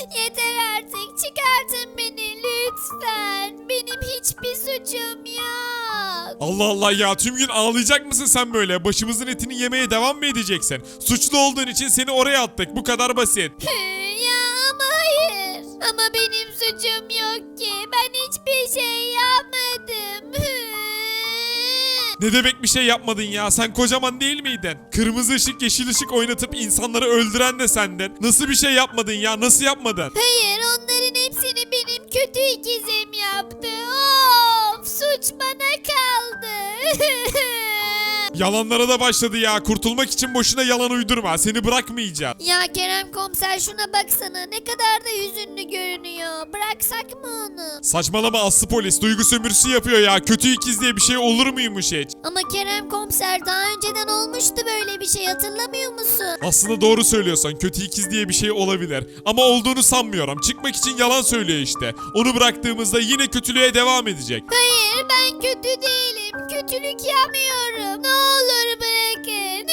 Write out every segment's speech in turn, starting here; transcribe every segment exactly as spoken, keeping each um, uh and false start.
Yeter artık, çıkartın beni lütfen. Benim hiçbir suçum yok. Allah Allah ya, tüm gün ağlayacak mısın sen böyle? Başımızın etini yemeye devam mı edeceksin? Suçlu olduğun için seni oraya attık, bu kadar basit. Ya ama hayır. Ama benim suçum yok ki. Ben hiçbir şey yapmadım. Ne demek bir şey yapmadın ya? Sen kocaman değil miydin? Kırmızı ışık yeşil ışık oynatıp insanları öldüren de sendin. Nasıl bir şey yapmadın ya? Nasıl yapmadın? Hayır, onların hepsini benim kötü ikizim yaptı. Of, suç bana kaldı. Yalanlara da başladı ya. Kurtulmak için boşuna yalan uydurma. Seni bırakmayacağım. Ya Kerem komiser, şuna baksana, ne kadar da hüzünlü görünüyor. Bıraksak mı onu? Saçmalama Aslı polis. Duygu sömürüsü yapıyor ya. Kötü ikiz diye bir şey olur muymuş hiç? Ama Kerem komiser, daha önceden olmuştu böyle bir şey, hatırlamıyor musun? Aslında doğru söylüyorsan kötü ikiz diye bir şey olabilir. Ama olduğunu sanmıyorum. Çıkmak için yalan söylüyor işte. Onu bıraktığımızda yine kötülüğe devam edecek. Hayır, ben kötü değilim. Kötülük yapmıyorum. Ne olur bırakın.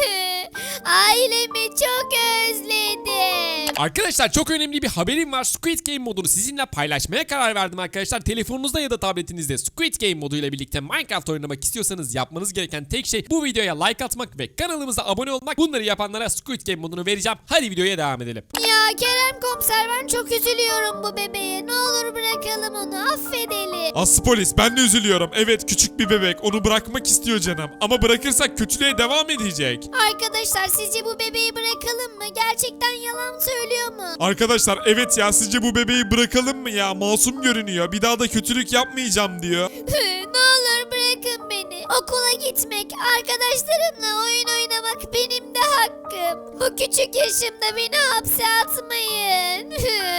Ailemi çok özledim. Arkadaşlar çok önemli bir haberim var. Squid Game modunu sizinle paylaşmaya karar verdim arkadaşlar. Telefonunuzda ya da tabletinizde Squid Game moduyla birlikte Minecraft oynamak istiyorsanız yapmanız gereken tek şey bu videoya like atmak ve kanalımıza abone olmak. Bunları yapanlara Squid Game modunu vereceğim. Hadi videoya devam edelim. Ya Kerem komiser, ben çok üzülüyorum bu bebeğe. Ne olur bırakalım onu, affedelim. Aslı polis, ben de üzülüyorum. Evet, küçük bir bebek. Onu bırakmak istiyor canım. Ama bırakırsak kötülüğe devam edecek. Arkadaşlar, sizce bu bebeği bırakalım mı? Gerçekten yalan söylüyor mu? Arkadaşlar evet ya, sizce bu bebeği bırakalım mı ya? Masum görünüyor. Bir daha da kötülük yapmayacağım diyor. Ne olur bırakın beni. Okula gitmek, arkadaşlarımla oyun oynamak benim de hakkım. Bu küçük yaşımda beni hapse atmayın.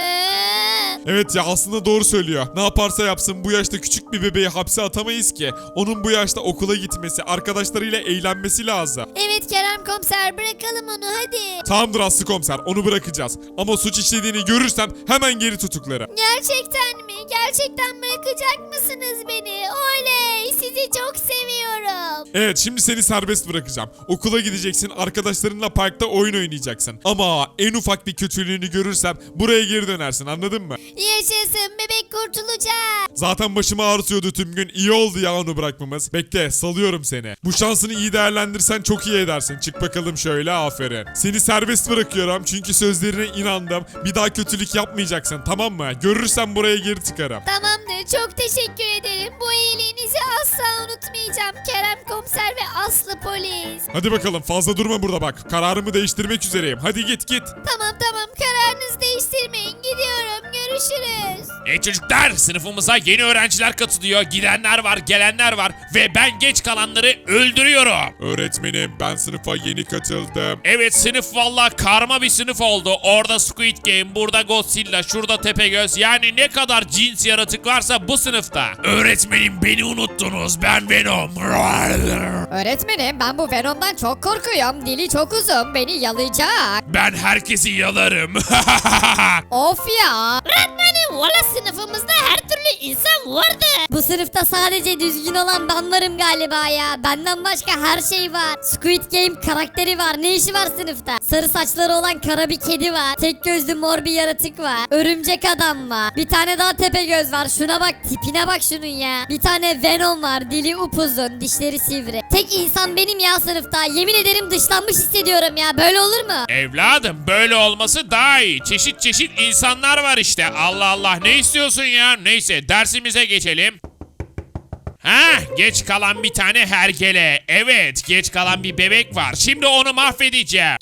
Evet ya, aslında doğru söylüyor. Ne yaparsa yapsın bu yaşta küçük bir bebeği hapse atamayız ki. Onun bu yaşta okula gitmesi, arkadaşlarıyla eğlenmesi lazım. Evet Kerem komiser, bırakalım onu hadi. Tamamdır Aslı komiser, onu bırakacağız. Ama suç işlediğini görürsem hemen geri tutuklarım. Gerçekten mi? Gerçekten bırakacak mısınız beni? Oley! Sizi çok seviyorum. Evet, şimdi seni serbest bırakacağım. Okula gideceksin, arkadaşlarınla parkta oyun oynayacaksın. Ama en ufak bir kötülüğünü görürsem buraya geri dönersin, anladın mı? Yaşasın, bebek kurtulacak. Zaten başımı ağrıtıyordu tüm gün. İyi oldu ya onu bırakmamız. Bekle, salıyorum seni. Bu şansını iyi değerlendirsen çok iyi edersin. Çık bakalım şöyle, aferin. Seni serbest bırakıyorum çünkü sözlerine inandım. Bir daha kötülük yapmayacaksın, tamam mı? Görürsem buraya geri çıkarım. Tamamdır, çok teşekkür ederim. Bu iyiliğinizi asla unutmayacağım Kerem komiser ve Aslı polis. Hadi bakalım, fazla durma burada bak. Kararımı değiştirmek üzereyim. Hadi git git. Tamam tamam, kararınızı değiştirmeyin. Gidiyorum, görüşürüz. E çocuklar, sınıfımıza yeni öğrenciler katılıyor. Gidenler var, gelenler var ve ben geç kalanları öldürüyorum. Öğretmenim, ben sınıfa yeni katıldım. Evet, sınıf valla karma bir sınıf oldu. Orada Squid Game, burada Godzilla, şurada Tepegöz. Yani ne kadar cins yaratık varsa bu sınıfta. Öğretmenim, beni unuttunuz. Ben Venom. Öğretmenim, ben bu Venom'dan çok korkuyorum. Dili çok uzun, beni yalayacak. Ben herkesi yalarım. Of ya. Öğretmenim, valla sınıfımızda her türlü insan vardı. Bu sınıfta sadece düzgün olan ben varım galiba ya. Benden başka her şey var. Squid Game karakteri var. Ne işi var sınıfta? Sarı saçları olan kara bir kedi var. Tek gözlü mor bir yaratık var. Örümcek adam var. Bir tane daha Tepegöz var. Şuna bak, tipine bak şunun ya. Bir tane Venom var. Dili upuzun, dişleri sivri. Tek insan benim ya sınıfta. Yemin ederim dışlanmış hissediyorum ya. Böyle olur mu? Evladım, böyle olması daha iyi. Çeşit çeşit insanlar var işte. Allah Allah, ne istiyorsun ya? Neyse, dersimize geçelim. Ha, geç kalan bir tane hergele. Evet, geç kalan bir bebek var. Şimdi onu mahvedeceğim.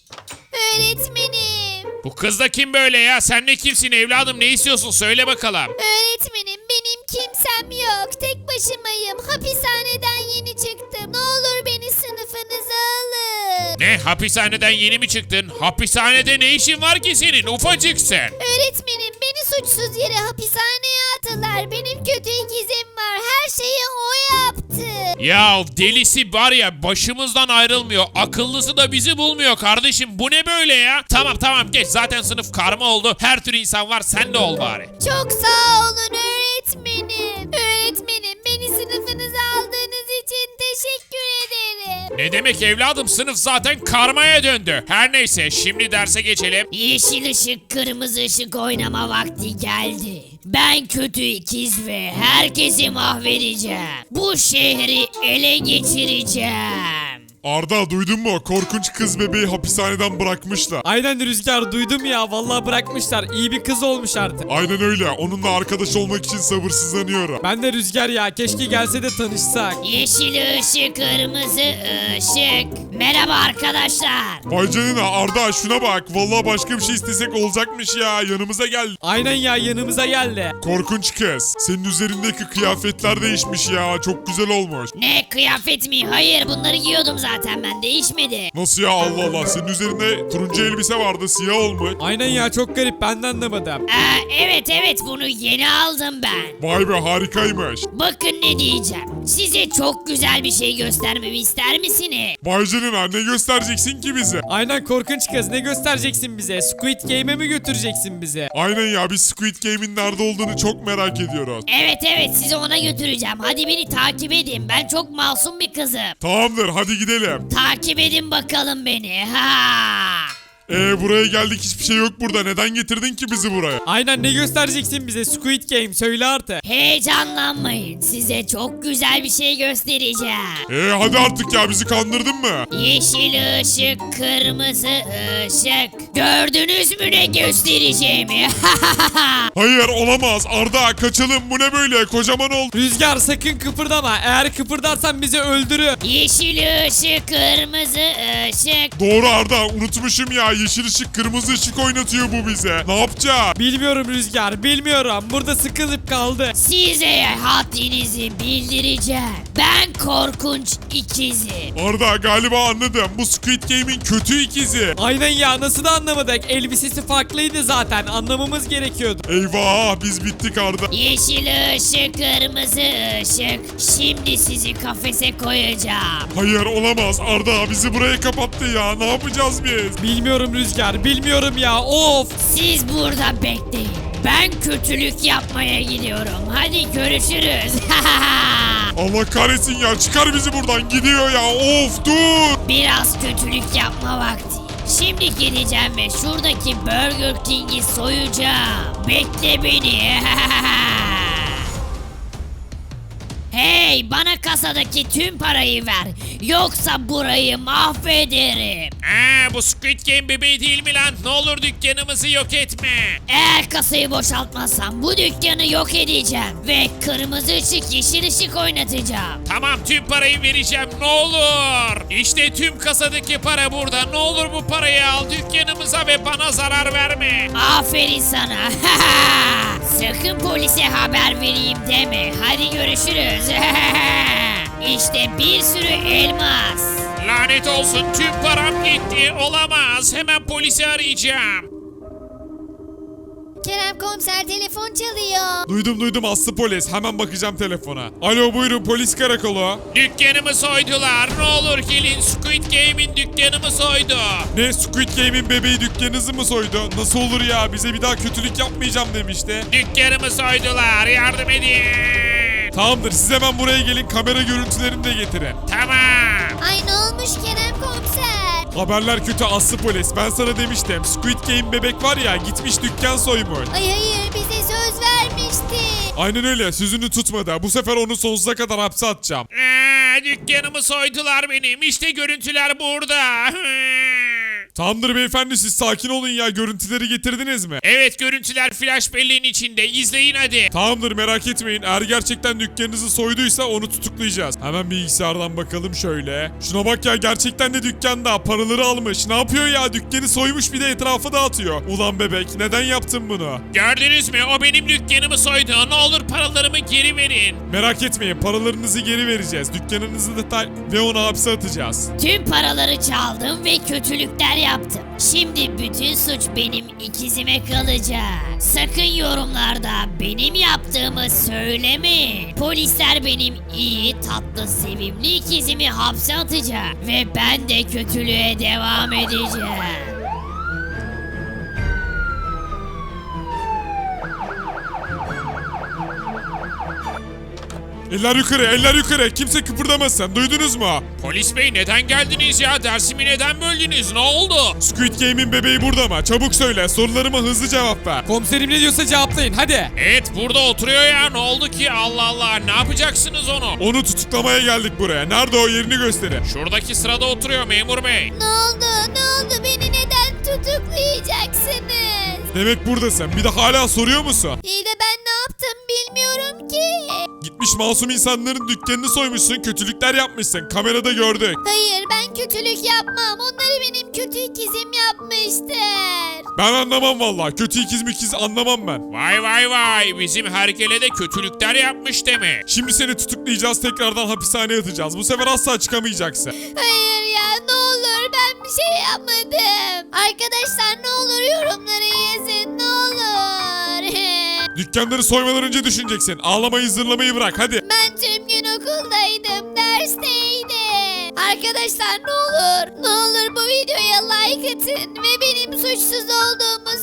Öğretmenim. Bu kız da kim böyle ya? Sen ne kimsin evladım? Ne istiyorsun? Söyle bakalım. Öğretmenim, benim kimsem yok. Tek başımayım. Hapishaneden yeni çıktım. Ne olur beni sınıfınıza alın. Ne? Hapishaneden yeni mi çıktın? Hapishanede ne işin var ki senin? Ufacıksın. Öğretmenim, beni suçsuz yere hapishaneye attılar. Benim kötü ikizim var. Her şeyi o yaptı. Ya delisi var ya, başımızdan ayrılmıyor. Akıllısı da bizi bulmuyor kardeşim. Bu ne böyle ya? Tamam tamam, geç. Zaten sınıf karma oldu. Her tür insan var. Sen de ol bari. Çok sağ olun öğretmenim. Öğretmenim, beni sınıfınıza aldığınız için teşekkür ederim. Ne demek evladım, sınıf zaten karmaya döndü. Her neyse, şimdi derse geçelim. Yeşil ışık, kırmızı ışık oynama vakti geldi. Ben kötü ikiz ve herkesi mahvedeceğim. Bu şehri ele geçireceğim. Arda duydun mu? Korkunç kız bebeği hapishaneden bırakmışlar. Aynen Rüzgar, duydum ya, vallahi bırakmışlar. İyi bir kız olmuş artık. Aynen öyle. Onunla arkadaş olmak için sabırsızlanıyorum. Ben de Rüzgar ya, keşke gelse de tanışsak. Yeşil ışık, kırmızı ışık. Merhaba arkadaşlar. Vay canına Arda şuna bak. Vallahi başka bir şey istesek olacakmış ya. Yanımıza gel. Aynen ya, yanımıza geldi. Korkunç kız. Senin üzerindeki kıyafetler değişmiş ya. Çok güzel olmuş. Ne, kıyafet mi? Hayır, bunları giyiyordum zaten ben, değişmedi. Nasıl ya, Allah Allah. Senin üzerinde turuncu elbise vardı. Siyah olmuş. Aynen ya, çok garip, ben de anlamadım. Aa, evet evet, bunu yeni aldım ben. Vay be, harikaymış. Bakın ne diyeceğim. Size çok güzel bir şey göstermemi ister misiniz? Vay canına, ne göstereceksin ki bize? Aynen korkunç kız, ne göstereceksin bize? Squid Game'e mi götüreceksin bizi? Aynen ya, biz Squid Game'in nerede olduğunu çok merak ediyoruz. Evet evet, sizi ona götüreceğim. Hadi beni takip edin. Ben çok masum bir kızım. Tamamdır, hadi gidelim. Takip edin bakalım beni. Ha! Ee buraya geldik, hiçbir şey yok burada. Neden getirdin ki bizi buraya? Aynen, ne göstereceksin bize? Squid Game, söyle artık. Heyecanlanmayın. Size çok güzel bir şey göstereceğim. Ee hadi artık ya, bizi kandırdın mı? Yeşil ışık, kırmızı ışık. Gördünüz mü ne göstereceğimi? Hayır, olamaz. Arda kaçalım, bu ne böyle? Kocaman oldu. Rüzgar, sakın kıpırdama. Eğer kıpırdarsan bizi öldürür. Yeşil ışık, kırmızı ışık. Doğru Arda, unutmuşum ya. Yeşil ışık kırmızı ışık oynatıyor bu bize. Ne yapacağız? Bilmiyorum Rüzgar, bilmiyorum. Burada sıkılıp kaldı. Size haddinizi bildireceğim. Ben korkunç ikizim. Arda galiba anladım. Bu Squid Game'in kötü ikizi. Aynen ya, nasıl da anlamadık? Elbisesi farklıydı zaten, anlamamız gerekiyordu. Eyvah, biz bittik Arda. Yeşil ışık, kırmızı ışık. Şimdi sizi kafese koyacağım. Hayır, olamaz. Arda bizi buraya kapattı ya. Ne yapacağız biz? Bilmiyorum Rüzgar, bilmiyorum ya, of. Siz burada bekleyin. Ben kötülük yapmaya gidiyorum. Hadi görüşürüz. Allah kahretsin ya. Çıkar bizi buradan. Gidiyor ya. Of, dur. Biraz kötülük yapma vakti. Şimdi gideceğim ve şuradaki Burger King'i soyacağım. Bekle beni. Hey, bana kasadaki tüm parayı ver. Yoksa burayı mahvederim. Aa, bu Squid Game bebeği değil mi lan? Ne olur dükkanımızı yok etme. Eğer kasayı boşaltmazsam bu dükkanı yok edeceğim. Ve kırmızı ışık, yeşil ışık oynatacağım. Tamam, tüm parayı vereceğim, ne olur. İşte tüm kasadaki para burada. Ne olur bu parayı al dükkanımıza ve bana zarar verme. Aferin sana. Sakın polise haber vereyim deme. Hadi görüşürüz. İşte bir sürü elmas. Lanet olsun, tüm param gitti. Olamaz. Hemen polisi arayacağım. Kerem komiser, telefon çalıyor. Duydum duydum, Aslı polis. Hemen bakacağım telefona. Alo, buyurun, polis karakolu. Dükkanımı soydular. Ne olur gelin, Squid Game'in dükkanımı soydu. Ne, Squid Game'in bebeği dükkanınızı mı soydu? Nasıl olur ya? Bize bir daha kötülük yapmayacağım demişti. Dükkanımı soydular. Yardım edin. Tamamdır, siz hemen buraya gelin, kamera görüntülerini de getirin. Tamam. Ay, ne olmuş Kerem komiser? Haberler kötü Aslı polis. Ben sana demiştim. Squid Game bebek var ya, gitmiş dükkan soymuş. Ay hayır, bize söz vermişti. Aynen öyle, sözünü tutmadı. Bu sefer onu sonsuza kadar hapse atacağım. Aa, dükkanımı soydular benim. İşte görüntüler burada. Tamamdır beyefendi, siz sakin olun ya. Görüntüleri getirdiniz mi? Evet, görüntüler flash belleğin içinde. İzleyin hadi. Tamamdır, merak etmeyin. Eğer gerçekten dükkanınızı soyduysa onu tutuklayacağız. Hemen bilgisayardan bakalım şöyle. Şuna bak ya, gerçekten de dükkanda. Paraları almış. Ne yapıyor ya? Dükkanı soymuş, bir de etrafı dağıtıyor. Ulan bebek, neden yaptın bunu? Gördünüz mü? O benim dükkanımı soydu. Ne olur paralarımı geri verin. Merak etmeyin, paralarınızı geri vereceğiz. Dükkanınızı da ta- ve onu hapse atacağız. Tüm paraları çaldım ve kötülükler yaptım. Şimdi bütün suç benim ikizime kalacak. Sakın yorumlarda benim yaptığımı söylemeyin. Polisler benim iyi, tatlı, sevimli ikizimi hapse atacak. Ve ben de kötülüğe devam edeceğim. Eller yukarı, eller yukarı. Kimse kıpırdamasın. Duydunuz mu? Polis bey neden geldiniz ya? Dersimi neden böldünüz? Ne oldu? Squid Game'in bebeği burada mı? Çabuk söyle. Sorularıma hızlı cevap ver. Komiserim ne diyorsa cevaplayın hadi. Evet burada oturuyor ya. Ne oldu ki? Allah Allah. Ne yapacaksınız onu? Onu tutuklamaya geldik buraya. Nerede o, yerini gösterin. Şuradaki sırada oturuyor memur bey. Ne oldu? Ne oldu? Beni neden tutuklayacaksınız? Demek buradasın. Bir de hala soruyor musun? İyi de ben ne yaptım bilmiyorum ki. Gitmiş masum insanların dükkanını soymuşsun. Kötülükler yapmışsın. Kamerada gördük. Hayır ben kötülük yapmam. Onları benim kötü ikizim yapmıştır. Ben anlamam vallahi. Kötü ikiz mikiz anlamam ben. Vay vay vay. Bizim herkele de kötülükler yapmış demek. Şimdi seni tutuklayacağız. Tekrardan hapishaneye atacağız. Bu sefer asla çıkamayacaksın. Hayır ya ne olur ben bir şey yapmadım. Arkadaşlar ne olur yorumlara yazın ne olur. Dükkanları soymadan önce düşüneceksin. Ağlamayı zırlamayı bırak hadi. Ben tüm gün okuldaydım, dersteydim. Arkadaşlar ne olur, ne olur bu videoya like atın ve benim suçsuz olduğumu